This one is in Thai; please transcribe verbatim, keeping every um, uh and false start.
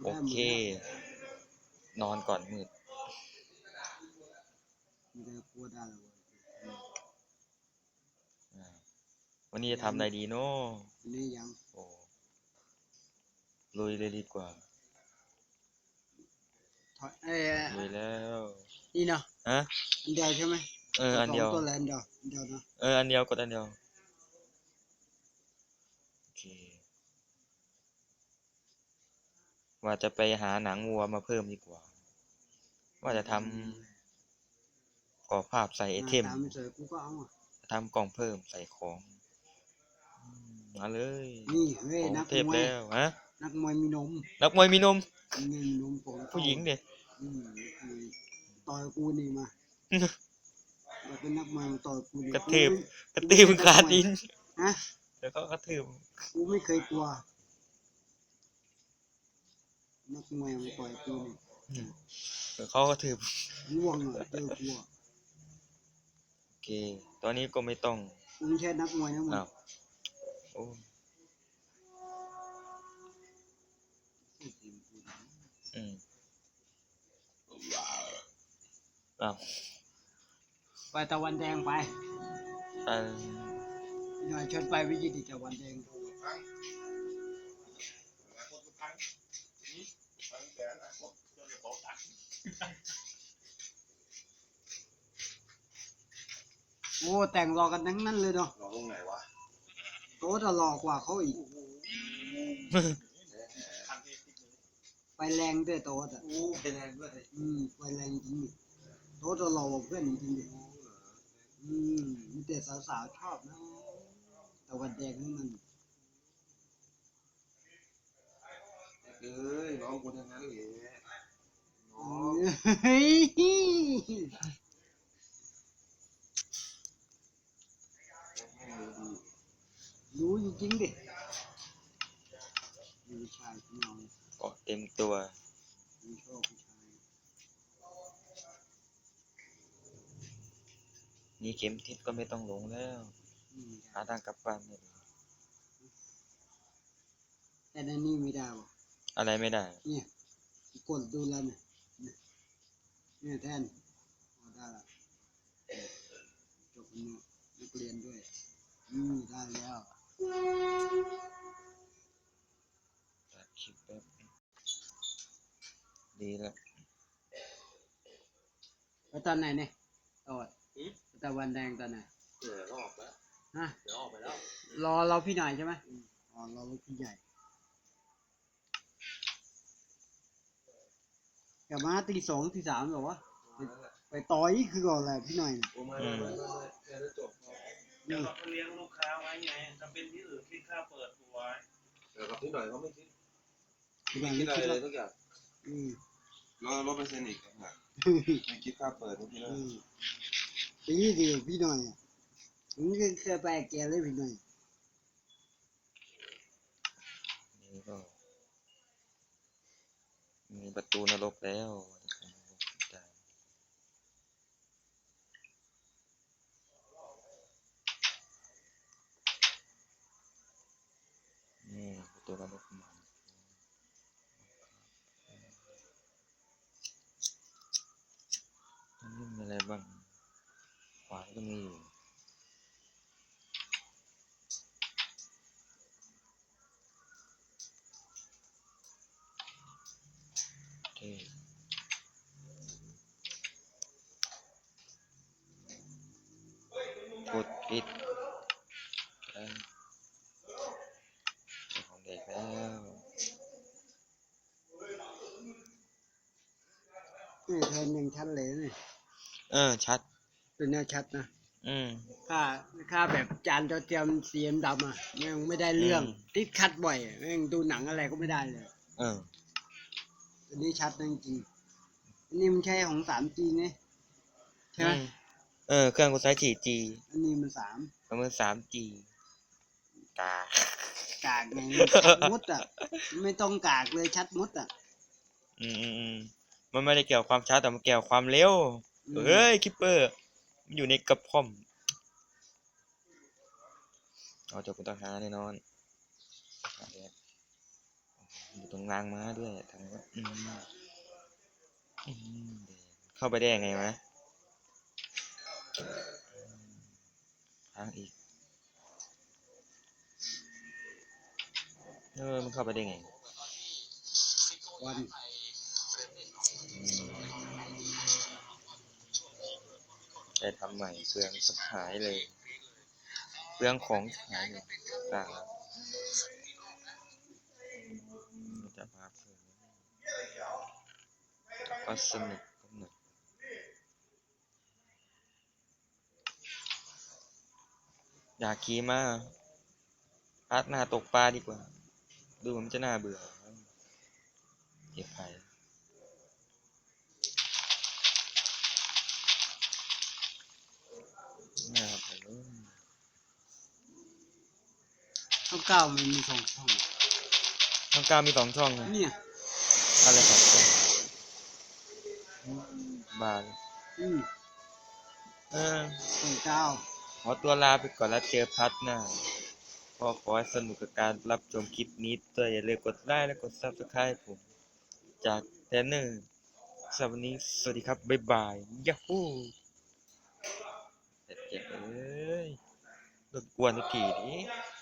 โอเคนอนก่อนมืดวันนี้จะทำอะไรดีเนาะนี่ยังโอ้ลุยเลยดีกว่าเอ้ลุยแล้วนี่เนาะฮะอันเดียวใช่ไหมเอออันเดียวตัวแลนเดียวอันเดียวนะเอออันเดียวกดอันเดียวโอเคว่าจะไปหาหนังวัวมาเพิ่มดีกว่าว่าจะทำกรอบภาพใส่ไอเทมทำกล่องเพิ่มใส่ของมาเลยนี่เฮ้ยนักเทพแล้วฮะนักมวยมีนมนักมวยมีนมมีนมผู้หญิงเด็กต่อยกูนี่มาเราเป็นนักมวยต่อยกูนี่กระเทืบกระตืบขาดินฮะแล้วก็กระทืบกูไม่เคยกลัวนักมวยมันต่อยกูนี่แล้วเขากระทืบร่วงอ่ะเจอกูโอเคตอนนี้ก็ไม่ต้องกูไม่ใช่นักมวยนะมึงโอ้อืมอ้าวไปตะวันแดงไปไปหน่อยชนไปวิจิตรตะวันแดงโอ้แต่งรอกันทั้งนั้นเลยเนาะรอตรงไหนวะโต๊ะจะหลอกกว่าเขาอีกไปแรงด้วยโต๊ะอ่ะโอ้ไปแรงด้วยอืมไปแรงจริงโต๊ะจะหลอกเพื่อนจริงดิอืมมีแต่สาวๆชอบนะตะวันแดงนั่นมันเอ้ยน้องคนนั้นเลยน้องเฮ้ยรู้จริงๆดิผู้ชายที่นอนเกาะเต็มตัวมีชอบผู้ชายนี่เข็มทิศก็ไม่ต้องหลงแล้วหาทางกลับบ้านไม่ได้แต่ในนี่ไม่ได้วะอะไรไม่ได้เนี่ยกดดูแล้วเนี่ยเนี่ยแทนได้ละจบเนี่ยนักเรียนด้วยอืมได้แล้วตัดคลิปแป๊บดีแล้วไปตอนไหนเนี่ยตอนตะวันแดงตอนไหนเดี๋ยวออกแล้วฮะเดี๋ยวออกไปแล้วรอเราพี่หน่อยใช่ไหมอ๋อรอเราพี่ใหญ่กลับมาตีสองตีสามหรอวะไปต่อยคือก่อนแหละพี่หน่อยอืมเดี๋ยวจบเดี๋ยวเราเลี้ยงลูกค้าไว้ไงถ้าเป็นที่อื่นคิดค่าเปิดตัวไว้เดี๋ยวกับพี่หน่อยเขาไม่คิดไม่คิดอะไรเลยทุกอย่างอืมรอรถไปเซ็นอีกนะไม่คิดค่าเปิดทุกทีแล้วปีเดียวพี่หน่อยผมก็เคยไปแกเลยพี่หน่อยนี่ก็มีประตูนรกแล้วนี่ประตูนรกมาอันนี้มีอะไรบ้างขวานก็มีอยู่กดปิดของเด็กแล้วนี่แทนยังชัดเลยนี่เออชัดเป็นแนวชัดนะอืมค่าค่าแบบจานจอเทียมสีดำอ่ะแม่งไม่ได้เรื่องติดคัดบ่อยแม่งดูหนังอะไรก็ไม่ได้เลยเอออันนี้ชัดจริงอันนี้มันใช่ของ สามจี ไงใช่ไหมเออเครื่องกูใช้ สี่จีอันนี้มันสามมัน สามจี กากกากไงชัดมดอ่ะไม่ต้องกากเลยชัดมดอ่ะอืมอืมมันไม่ได้เกี่ยวความช้าแต่มันเกี่ยวความเร็วเฮ้ยคิปเปอร์มันอยู่ในกระพร่อมเอาจบกูต้องหาแน่นอนอยู่ตรงตรงรางม้าด้วยทางว่าอืมอืมเข้าไปได้ยังไงวะทางอีกเออมันเข้าไปได้ไงวันได้ทำใหม่เปลืองสับหายเลยเปลืองของหายเลยต่างแล้วจะพาเพื่อนก็สนุกก็หนุกอยากขี่มาพักหน้าตกปลาดีกว่าดูมันจะน่าเบื่อเก็บไปน่าไปเลยช่องเก้ามันมีสองช่องช่องเก้ามีสองช่องนะเนี่ยอะไรสองช่องบาร์อืมเออช่องเก้าขอตัวลาไปก่อนแล้วเจอพัดหน้าก็ขอให้สนุกกับการรับชมคลิปนี้ด้วยอย่าลืมกดไลค์และกด ซับสไครบ์ ผมจากแทนเนอร์สำหรับวันนี้สวัสดีครับ บ๊ายบายยาฮูเจ็บเอ้ยรบกวนทุกทีนี้